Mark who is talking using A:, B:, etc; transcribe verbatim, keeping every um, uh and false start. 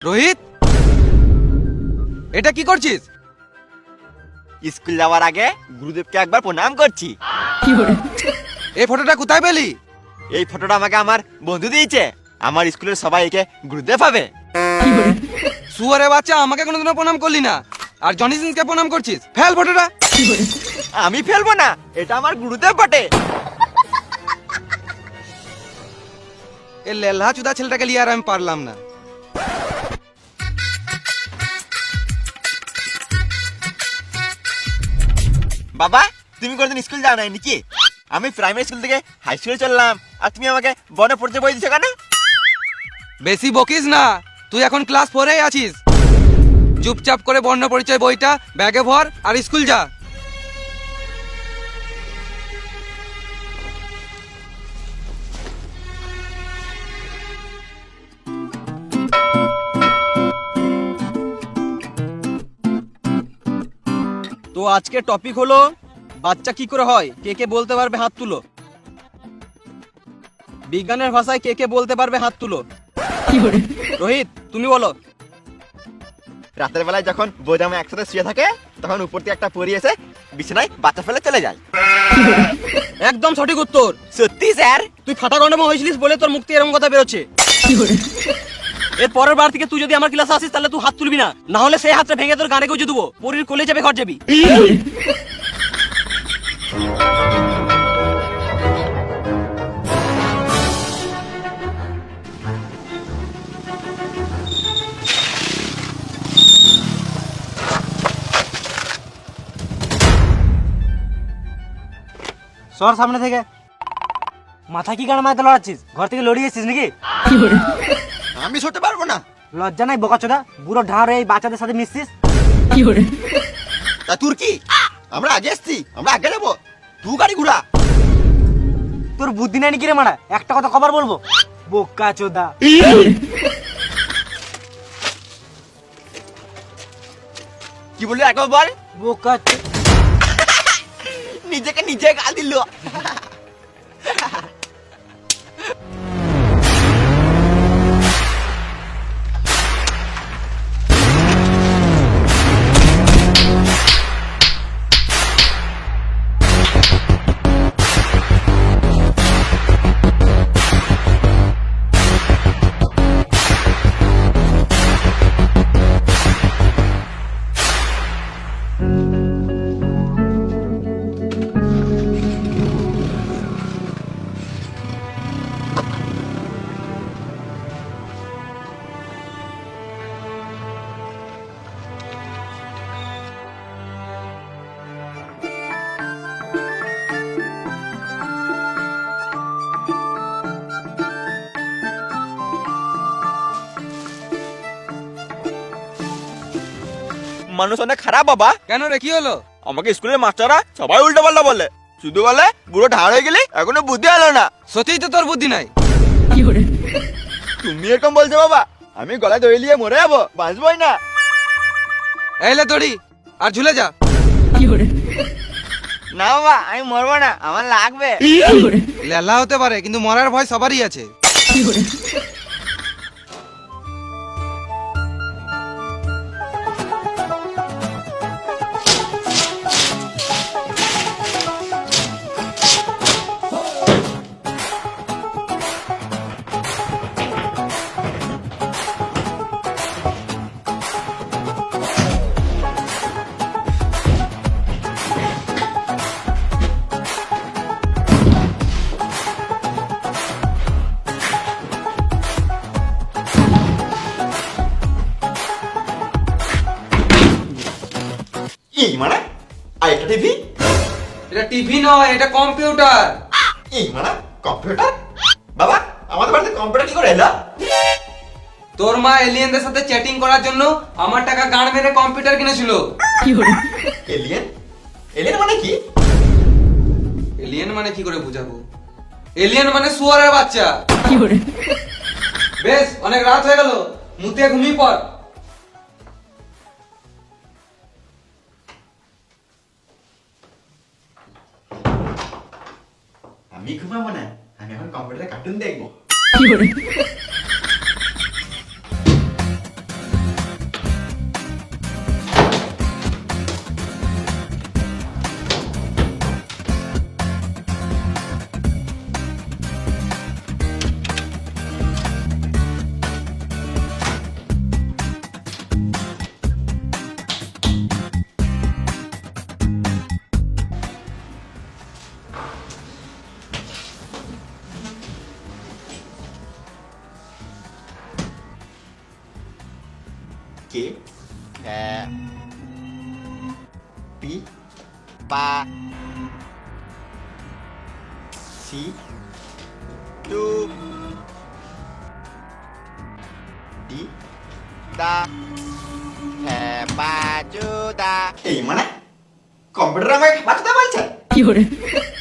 A: রোহিত, এটা কি করছিস?
B: স্কুল যাওয়ার আগে গুরুদেবকে একবার প্রণাম করছি।
A: এই ফটোটা কোথায় পেলি?
B: এই ফটোটা আমাকে আমার বন্ধু দিয়েছে। আমার স্কুলের সবাই একে গুরুদেব ভাবে।
A: শুয়ারে বাচ্চা, আমাকে কোনোদিনও প্রণাম করলি না, আর জনি সিন্সকে প্রণাম করছিস। ফেল ফটোটা।
B: আমি ফেলবো না, এটা আমার গুরুদেব বটে।
A: এই লেলহা চুদা ছেলেটাকে লিয়ে আর আমি পারলাম না।
B: বাবা, তুমি কোনদিন স্কুল যাও নাই নাকি? আমি প্রাইমারি স্কুল থেকে হাই স্কুলে চললাম, আর তুমি আমাকে বনে পড়তে বই দিছো কেন?
A: বেশি বকিস না, তুই এখন ক্লাস ফোরেই আছিস। চুপচাপ করে বর্ণ পরিচয় বইটা ব্যাগে ভর আর স্কুল যা।
C: তো আজকে টপিক হলো বাচ্চা কি করে হয়। কে কে বলতে পারবে হাত তুলো। বিজ্ঞানের ভাষায় কে কে বলতে পারবে হাত তুলো। রোহিত, তুমি বলো।
B: রাতের বেলায় যখন বোজামা একসাথে শুয়ে থাকে, তখন উপর থেকে একটা পরি এসে বিছানায় বাচ্চা ফেলে চলে যায়।
C: একদম সঠিক উত্তর।
B: সত্যি স্যার?
C: তুই ফাটা গন্ডমা হয়েছিলিস বলে তোর মুখ থেকে এরকম কথা বেরোচ্ছে। এর পরের বার থেকে তুই যদি আমার ক্লাসে আসিস তাহলে তুই হাত তুলবি না, না হলে সেই হাতটা ভেঙে তোর গানে গুজে দেবো। পরির কোলে যাবে, ঘর যাবি। সর সামনে থেকে। মাথা কি গান মারতে লড়াচ্ছিস? ঘর থেকে লড়িয়েছিস নাকি?
B: আমি সরতে পারবো না।
C: লজ্জা নাই বোকাচোদা? বুড়ো ঢাঁড় এই বাচ্চাদের সাথে মিশছিস।
B: তা তোর কি? আমরা আগে এসছি, আমরা আগে যাবো, তুই গাড়ি ঘুরা।
C: তোর বুদ্ধি নাই নাকি রে মারা? একটা কথা কবার বলবো, বোকাচোদা।
B: কি বললি একবার বল?
C: বোকাচো।
B: নিজেকে নিজে গাল দিল। মানুষ অনেক খারাপ বাবা।
A: কেন রে, কি হলো?
B: আমাকে স্কুলের মাস্টাররা সবাই উল্টো পাল্টা বলে, শুধু বলে বুড়ো ঢাড় হয়ে গেলি, এখনো বুদ্ধি এলো না।
A: সত্যিই তো তোর বুদ্ধি নাই।
B: তুমি এরকম বলছো বাবা? আমি গলায় দড়ি নিয়ে মরে যাবো, বাঁচবই না।
A: এইলে দড়ি, আর ঝুলে যা।
B: না বাবা, আমি মরবো না, আমার লাগবে।
A: লেলা হতে পারে, কিন্তু মরার ভয় সবারই আছে।
B: এই মানে আর একটা টিভি?
A: এটা টিভি নয়, এটা কম্পিউটার।
B: এই মানে কম্পিউটার? বাবা, আমাদের বাড়িতে কম্পিউটার কি করে এলো?
A: তোর মা এলিয়েনদের সাথে চ্যাটিং করার জন্য আমার টাকা গান মেরে কম্পিউটার কিনেছিল।
B: এলিয়েন? এলিয়েন মানে কি?
A: এলিয়েন মানে কি করে বুঝাবো? এলিয়েন মানে শুয়ারের বাচ্চা। বেশ, অনেক রাত হয়ে গেল, মুতে ঘুমিয়ে পড়।
B: আমি ঘুমাবো না, আমি এখন কম্পিউটারে কার্টুন দেখবো। কে হ্যাঁ পি পা সি টু ডি দা হ্যাঁ বাজুদা এই মানে কম্পিউটার আমাকে বাঁচতে বলছে